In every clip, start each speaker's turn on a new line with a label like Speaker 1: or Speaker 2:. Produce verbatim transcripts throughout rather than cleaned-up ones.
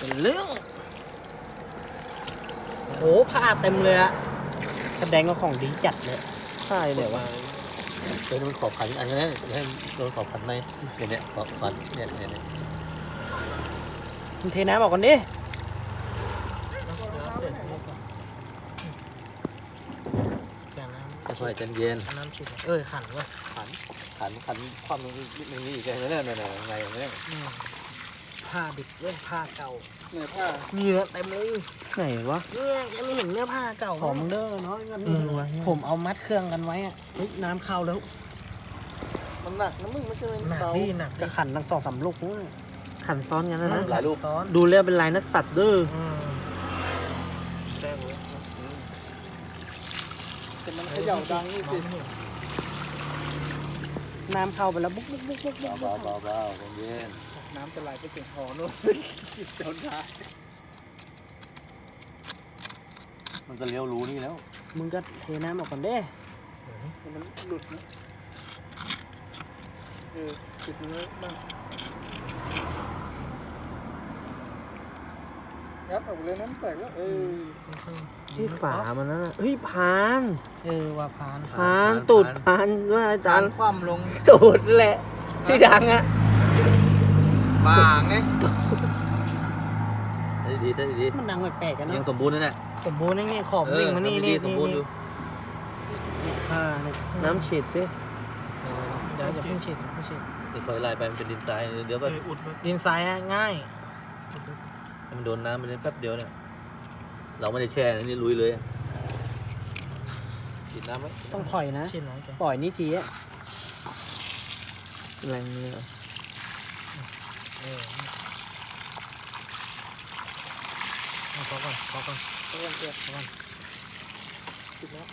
Speaker 1: เป็นเรื่องโหผ้าเต็มเลยอะแสดงว่าของดีจัดเลยใช่เลยวะ
Speaker 2: เดี๋ยวมันขอบขันอันนี้ให้โดนขอบขันไหมเดี๋ยวนี้ขอบขันเนี่ยเนี่ยเนี่ย
Speaker 1: มึงเทน้ำออกก่อนดิอย่างน้ำ
Speaker 2: จะคอยใจเย็น
Speaker 1: น้ำฉีดเออขันวะ
Speaker 2: ขันขันขันความมันมันมีอีกไงเนี่ยเนี่ยเนี่ยไงเนี่ย
Speaker 1: ผ้าดิบเว้ยผ้าเก่า
Speaker 2: เนี่ยผ้า
Speaker 1: เหงื่อเต็มเลย
Speaker 3: ไหนวะ
Speaker 1: เนี่ยยังไม่เห็นเนื้อผ้าเก่า
Speaker 3: ขอมึงเด้อน้อยกัน
Speaker 1: เออวะผมเอามัดเครื่องกันไว้อะเฮ้ยน้ำเข้าแล้ว
Speaker 2: มันหนักนะมึงไม่ใช่
Speaker 1: หนักดิหนัก
Speaker 3: จะขันทั้งสองสามลูกนะขันซ้อนกันนะนะ
Speaker 2: หลายลูก
Speaker 1: ซ้อน
Speaker 3: ดูแล้วเป็นลายนักสัตว์เด้อ
Speaker 1: ได้เว้ย
Speaker 2: แต่มันเขย่าดังนี่สิ
Speaker 3: น้ำเข้าไปแล้วบุ๊กบุ๊กบุ๊กบุ๊กบุ๊ก
Speaker 2: เบาเบาเบาใจเย็น
Speaker 1: น้ำจะไหลไปถึงคอนู่น
Speaker 2: เจ้าได้มันก็เลี้ยวรู้นี่แล้ว
Speaker 3: มึงก็เทน้ำออกก่อนเด้
Speaker 2: มันหลุดนะเออติดเลยบ้างงัดออกเลยน้ำแตกแล้วเออ
Speaker 3: ที่ฝามันนั่นน่ะเฮ้ยพาน
Speaker 1: เออว่าพาน
Speaker 3: พานตูดพานว่าอาจารย์
Speaker 1: คว่ำลง
Speaker 3: ตูดแหละที่ดังอ่ะ
Speaker 1: บางไง
Speaker 2: ใช่ดีใช่ดี
Speaker 3: มันดังแปลกๆกัน
Speaker 2: ยั
Speaker 3: เนาะ
Speaker 2: งสมบูรณ์นะเนี่ย
Speaker 1: สมบูรณ์นี่ขอบวิ่งมานี่นี่
Speaker 2: สม
Speaker 1: นี่
Speaker 2: บูรณ์อยู่
Speaker 3: ผ้าเนี่ยน้ำฉีดสิ
Speaker 1: เดี๋ยวอย่าเพิ่งฉีดอย่าเพิ่งฉีด
Speaker 2: นี่คอยไล่ไปมันเป็นดินทรายเดี๋ยวก็
Speaker 1: ดินทรายอะง่าย
Speaker 2: ให้มันโดนน้ำไปเลยแป๊บเดียวเนี่ยเราไม่ได้แช่นะนี่ลุยเลยฉีดน้ำไหม
Speaker 3: ต้องถอยนะ
Speaker 1: ฉีดน้อยจัง
Speaker 3: ปล่อยนี่ทีอะแรงเลยเหรอ
Speaker 1: เออเอาพอก่อนพอก่อนพอก่อนเจ็บพอก่อนฉีดแล้ว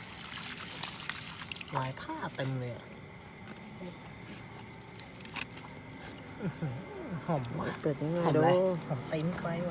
Speaker 1: ลายผ้าเต็มเลยอะอื้อหือหอมว่ะ
Speaker 3: เปิดยังไง
Speaker 1: หอม
Speaker 3: ดู
Speaker 1: อะไรหอมตีนไฟว่ะ